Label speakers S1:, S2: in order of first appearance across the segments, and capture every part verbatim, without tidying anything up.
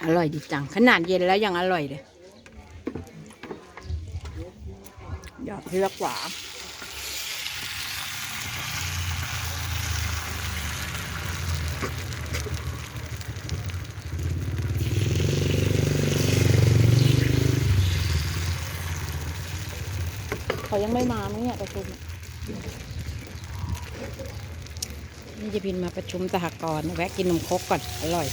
S1: อร่อยดีจังขนาดเย็นแล้วยังอร่อยเลยหยอดเลือกหวานเขายังไม่มามั้งเนี่ยประชุมนี่จะพินมาประชุมสหกรณ์แวะกินนมครกก่อนอร่อย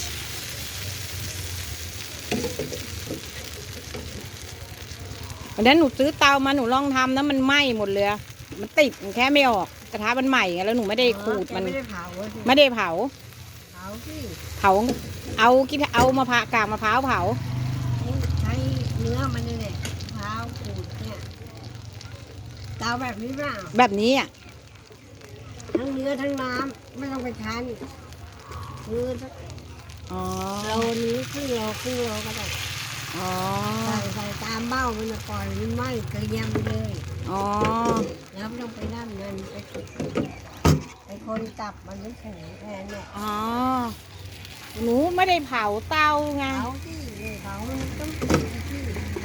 S1: วันนั้นหนูซื้อเตามาหนูลองทำนะมันไหม้หมดเลยมันติดมันแค่ไม่ออกกระทะมันใหม่ไงแล้วหนูไม่ได้ขูดมันไม่ได้เผาไม่ได้เผาเผาที่เผาเอากิเอามะพร้าวกากมะพร้าวเผา
S2: ใช้เนื้อมันนี่แหละมะพร้าวขูดเนี่ยเตาแบบนี้เปล่า
S1: แบบนี้อ่ะ
S2: ทั้งเนื้อทั้งน้ำไม่ต้องไปคั้นคือ
S1: อ๋อ
S2: โลนี้ครึ่งโลครึ่งโลก็ได้
S1: อ๋อ
S2: ใส่ใส่ตามเบ้ามันจะปล่อยมันไหม้เกลียมไปเลย
S1: อ๋อ
S2: แล้วไม่ต้องไปนั่นมันไปไปคนจับมันไม่แข็งแทนเนี่ย
S1: อ๋อหนูไม่ได้เผาเตาไง
S2: เผาที่เผามันต้องที่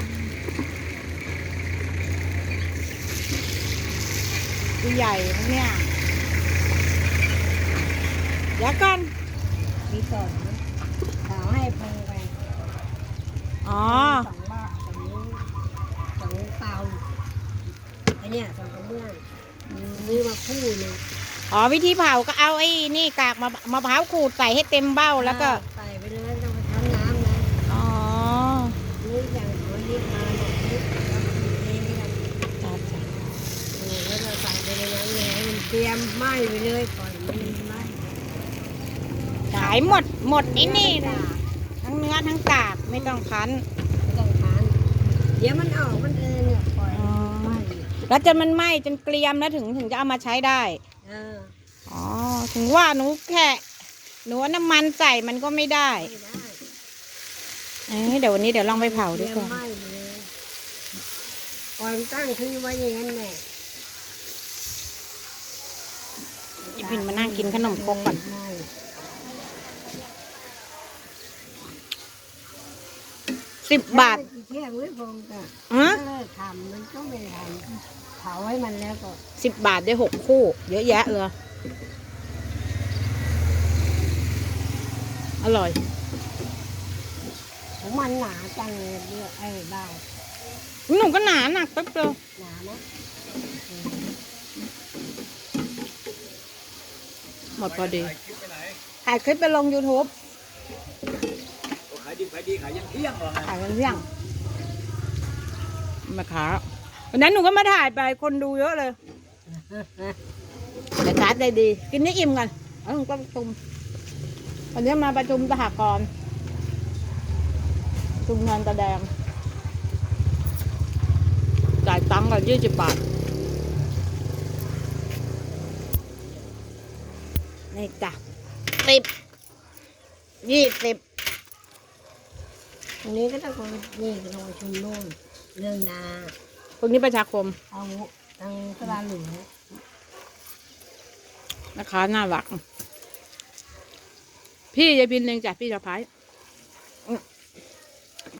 S1: ตัวใหญ่เนี่ยเดี๋ยวก่อน
S2: มีสองเผาให้พงไป
S1: อ๋อ
S2: สองบ้าสองสองเตาไอเนี่ยสองกระเบื้องนี่มาคู่เลย
S1: อ๋อวิธีเผาก็เอาไอ้นี่กากมะมะพร้าวขูดใส่ให้เต็มเบ้าแล้วก็
S2: ใส่ไปเลยต้องไปทำน้ำนะ
S1: อ๋อ
S2: นี่อย่างเขาเรียกมาหนกนี่เราขีดเองเนี่ย
S1: จ้าจ้า
S2: แล้วเราใส่ไปในนั้นเลยมันเตรียมไหม้ไปเลยปล่อยมันไหม้
S1: ขายหมดหมดไอ้นี่ทั้งเนื้อทั้งกากไม่ต้องคั้น
S2: ไม่ต้องคั้นเดี๋ยวมันออกมันเองเนี่ยปล่อยไหม้
S1: แล้วจนมันไหม้จนเกรียมแล้วถึงถึงจะเอามาใช้ได้อ๋อถึงว่าหนูแค่หนูน้ำมันใส่มันก็ไม่ได้เอ้เดี๋ยววันนี้เดี๋ยวลองไปเผาด้วยก่อน
S2: ปล่อยตั้งทิ้งไว้อย่างนั้นแหละ
S1: อีพินมานั่งกินขนมครกก่อนสิบบาท
S2: เที่ยงไม่พอจ้ะเลิกทำมันก็ไม่ทำเผาให้มันแล้วก็
S1: สิบบาทได้หกคู่เยอะแยะเลยอร่อย
S2: ของมันหนาจังเลยเลือกไอ้บ้า
S1: หนูก็หนาหนักแป๊บเดียว
S2: หนานะ
S1: หมดพอดีถ่ายคลิปไปลง ยูทูบ
S3: ขายดีขายดีขายยังเที่ยงเหรอ
S1: ขายยังเที่ยงมาขาวันนั้นหนูก็มาถ่ายไปคนดูเยอะเลยแต่ชาร์จได้ดีกินนี่อิ่มกันแล้วหนูก็ประชุมวันนี้มาประชุมสหกรณ์ชุมงานตะแดงจ่ายตังค์กันยี่สิบบาทนี่จ้ะสิบยี่สิบ
S2: ตรงนี้ก็ต้องคนนี่ก็ต้องชุมโน่นเรื่องนา
S1: พวกนี้ประชาคม
S2: เอาทางตลาดหลวง
S1: นะคะน่ารักพี่ยายพินเองจ้ะพี่สะพ้าย